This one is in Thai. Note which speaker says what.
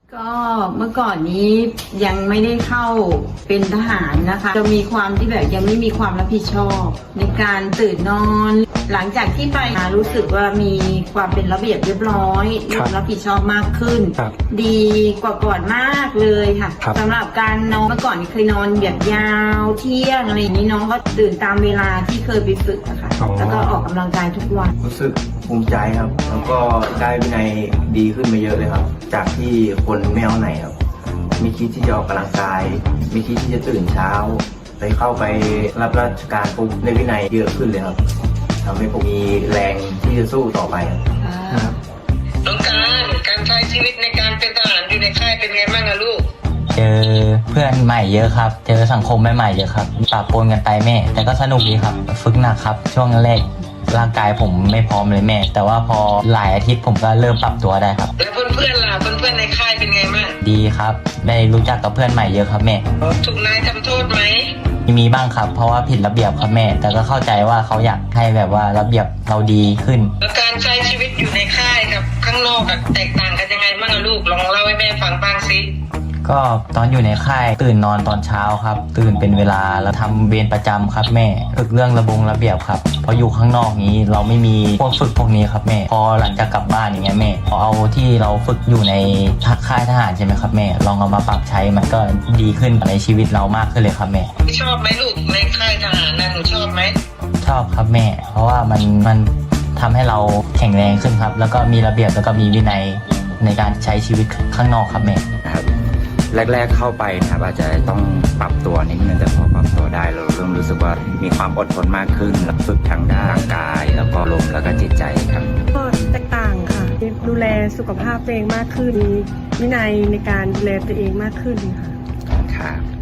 Speaker 1: ก็เมื่อก่อนนี้ยังไม่ได้เข้าเป็นทหารนะคะจะมีความที่แบบยังไม่มีความรับผิดชอบในการตื่นนอน หลังจากที่ไปรู้สึกว่ามีความเป็นระเบียบเรียบร้อยรับผิดชอบมากขึ้น ดีกว่าก่อนมากเลยค่ะสำหรับการนอนเมื่อก่อนเคยนอนแบบยาวเที่ยงอะไรอย่างนี้น้องก็ตื่นตามเวลาที่เคยไปฝึกอะค่ะแล้วก็ออกกำลังกายทุกวัน
Speaker 2: รู้สึกภูมิใจครับ แล้วก็ได้วินัยดีขึ้นมาเยอะเลยครับจากที่คนไม่เอาไหนครับไม่คิดที่จะออกกำลังกายไม่คิดที่จะตื่นเช้าไปเข้าไปรับราชการปุ๊บได้วินัยเยอะขึ้นเลยครับทำให้ผมมีแรงที่จะสู้ต่อไปครับ
Speaker 3: น้องการใช้ชีวิตในการเป็นทหารอยู่ในค่ายเป็นไงบ้างอะลูก
Speaker 4: เจอเพื่อนใหม่เยอะครับเจอสังคมใหม่ๆเยอะครับปะปนกันไปแม่แต่ก็สนุกดีครับฝึกหนักครับช่วงแรกร่างกายผมไม่พร้อมเลยแม่แต่ว่าพอหลายอาทิตย์ผมก็เริ่มปรับตัวได้ครับ
Speaker 3: แล้วเพื่อนๆล่ะเพื่อนๆในค่ายเป็นไงบ้าง
Speaker 4: ดีครับได้รู้จักกับเพื่อนใหม่เยอะครับแม่
Speaker 3: ถูกนายทำโทษไหม
Speaker 4: มีบ้างครับเพราะว่าผิดระเบียบครับแม่แต่ก็เข้าใจว่าเขาอยากให้แบบว่าระเบียบเราดีขึ้น
Speaker 3: แล้วการใช้ชีวิตอยู่ในค่ายกับข้างนอกแตกต่างกันยังไงบ้างอะลูกลองเล่าให้แม่ฟังบ้างสิ
Speaker 4: ก็ตอนอยู่ในค่ายตื่นนอนตอนเช้าครับตื่นเป็นเวลาแล้วทำเวรประจำครับแม่ฝึกเรื่องระเบียบครับพออยู่ข้างนอกนี้เราไม่มีพวกฝึกพวกนี้ครับแม่พอหลังจากกลับบ้านอย่างเงี้ยแม่พอเอาที่เราฝึกอยู่ในค่ายทหารใช่ไหมครับแม่ลองเอามาปรับใช้มันก็ดีขึ้นในชีวิตเรามากขึ้นเลยครับแม่
Speaker 3: ชอบไหมลูกในค่ายทหารนะหนูชอบไหม
Speaker 4: ชอบครับแม่เพราะว่ามันทำให้เราแข็งแรงขึ้นครับแล้วก็มีระเบียบแล้วก็มีวินัยในการใช้ชีวิตข้างนอกครับแม่
Speaker 5: ครับแรกๆเข้าไปนะครับอาจจะต้องปรับตัวนิดนึงแต่พอปรับตัวได้เราเริ่มรู้สึกว่ามีความอดทนมากขึ้นฝึกทางด้านร่างกายแล้วก็ลมแล้วก็จิตใจครับ
Speaker 6: ก็แตกต่างค่ะดูแลสุขภาพตัวเองมากขึ้นมีวินัยในการดูแลตัวเองมากขึ้นค่ะ
Speaker 5: ครับ